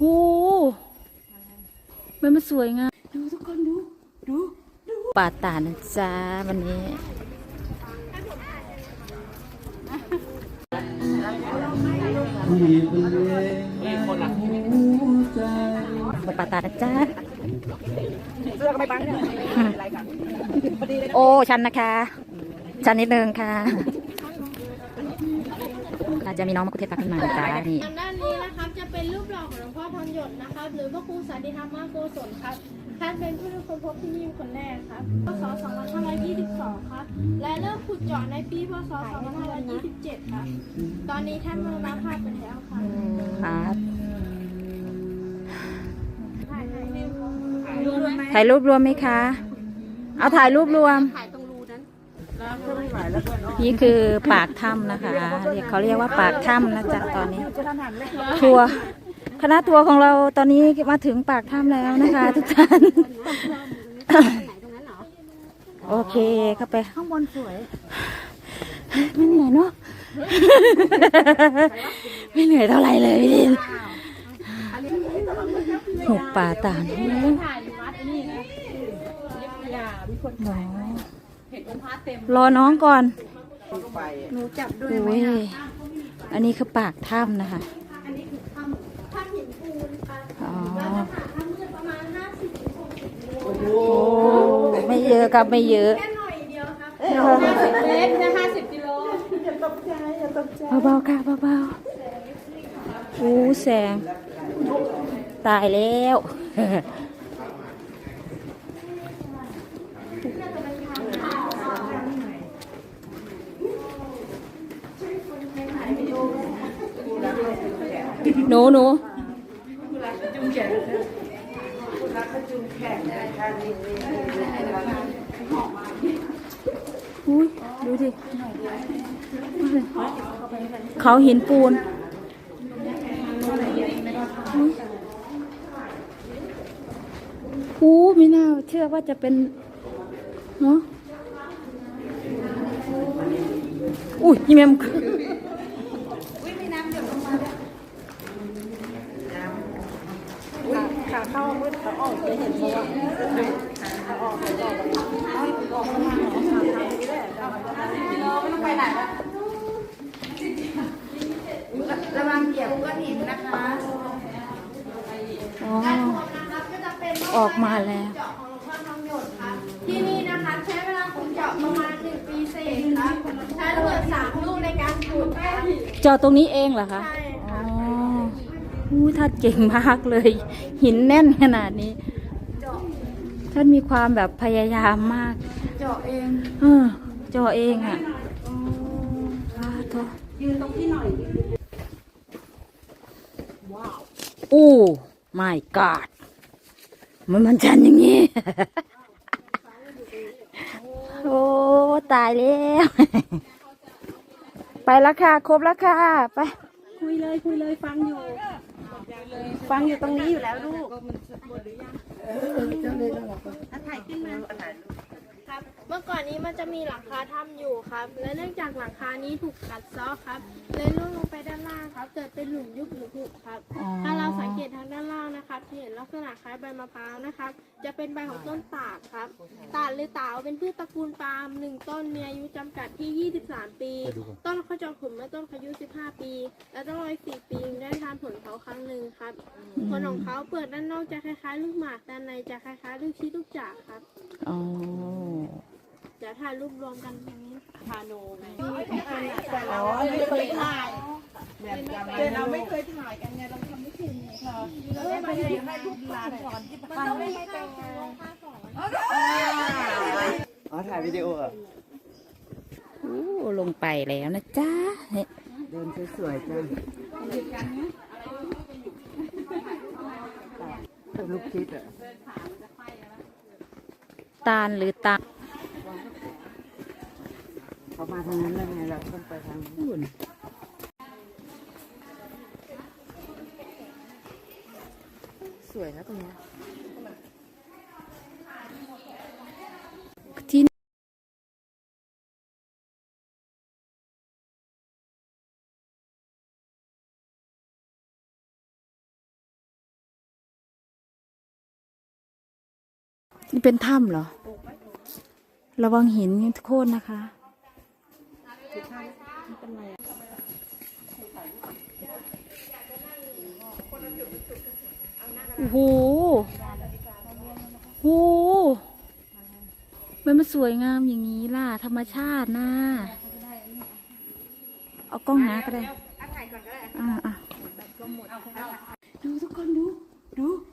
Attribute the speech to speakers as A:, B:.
A: โอ้มันสวยงามดูทุกคนดูป่าตาดนะจ๊ะวันนี้ป่าตาดนะจ๊ะเสื้อก็ไม่บังเนี่ยโอ้ชันนะคะชันนิดนึงค่ะอาจจะมีน้องมะกุเทศตักขึ้นมาจ้านี่
B: ทางด้านนี้นะครับจะเป็นรูปหล่อของหลวงพ่อทองหยดนะครับหรือพระครูสันติธรรมโกศลครับท่านเป็นผู้ที่ค้นพบที่นี่คนแรกครับพศ2522ครับและเริ่มขุดเจาะในปีพศ2527ครับตอนนี้ท่านมรณภาพไปแล้วครับ
A: ครับ
B: ถ่าย
A: รูปรวมไหมคะเอาถ่ายรูปรวมนี่คือปากถ้ำนะคะเขาเรียกว่าปากถ้ำนะจ๊ะตอนนี้ทัวร์คณะทัวร์ของเราตอนนี้มาถึงปากถ้ำแล้วนะคะทุกท่านโอเคเข้าไปข้างบนสวยไม่เหนื่อยเนาะไม่เหนื่อยเท่าไหร่เลยพี่ดินหุบป่าตาดรอน้องก่อนหนูจับด้วยไหมอันนี้คือปากถ้ำนะคะ
B: อันนี้คือถ้ำหินปูนค่ะ
A: อ๋อ
B: เราจะผ่านถ้ำมืดประมาณ50-60 โล
A: โอ้ไม่เยอะครับไม่เยอะ
B: แค่หน่อยเดียวครับ50 เมตรนะ50 กิโลอย่าตกใจ
A: เบาๆค่ะเบาๆอู้แสงตายแล้วหนูอุ้ยดูดิเขาหินปูนไม่น่าเชื่อว่าจะเป็นเนาะอุ้ยยี่แม่มขาเข้ามืดขาออกจะเห็นเพราะว่าขาออกไม่ต้องไปไหนแล้วระวังเหยียบก้อนหินนะคะออกมาแล้ว
B: เจาะของหลวงพ่อทองหยดครับที่นี่นะคะใช้เวลาขุดเจาะประมาณ1 ปีเศษครับใช้ระเบิด3 ลูกในการขุดครับ
A: เจาะตรงนี้เองเหรอคะ
B: ใช่
A: อ๋อท่านเก่งมากเลยหินแน่นขนาดนี้ท่านมีความแบบพยายามมาก
B: เจาะเอง
A: เจาะเองอ่ะ
B: ยืนตรงที่หน่อย
A: ว้าวโอ้ my god มันชันอย่างนี้ โอ้ตายแล้วไปแล้วค่ะครบแล้วค่ะไป
B: คุยเลยฟังอยู่ตรงนี้อยู่แล้วลูกถ่ายขึ้นมาครับเมื่อก่อนนี้มันจะมีหลังคาถ้ำอยู่ครับและเนื่องจากหลังคานี้ถูกกัดเซาะครับเลยล่วงลงไปด้านล่างครับเกิดเป็นหลุมยุบหรือผุครับถ้าเราสังเกตทางด้านล่างนะครับจะเห็นลักษณะคล้ายใบมะพร้าวนะครับจะเป็นใบของต้นตาดครับตาดหรือเต๋าเป็นพืชตระกูลปาล์ม1 ต้นมีอายุจำกัดที่23 ปีต้นเขาจะขุนเมื่อต้นอายุ15 ปีและต้องรอ4 ปีได้ทานผลเขาครั้งหนึ่งครับผลของเขาเปลือกด้านนอกจะคล้ายๆลูกหมากด้านในจะคล้ายๆลูกชีลูกจากครับจะถ่ายรูปรวมกันตรงนี้พาโนไงแต่เราไม่เคยถ่ายแต่เราไม่เคยถ่ายกันไงเราทำไม่ถึงค่ะเราไม่ได้ให้ลูกหลานสอนที่บ้านไม่ให้เป็น
C: ถ่ายวิดีโออ่ะ
A: ลงไปแล้วนะจ๊ะ
C: เดินสวยๆจ้าแต่ลูกคิดอ่ะ
A: ตาลหรือตา
C: เขามาทางนั้นแล้วไงเราต้องไปทางนู้นสวยนะตรงนี้
A: นี่เป็นถ้ำเหรอ ระวังหินโค่นนะคะ โอ้โหโอ้โหมันสวยงามอย่างนี้ล่ะ ธรรมชาตินะเอากล้องหาก็ได้อ่าดูทุกคนดู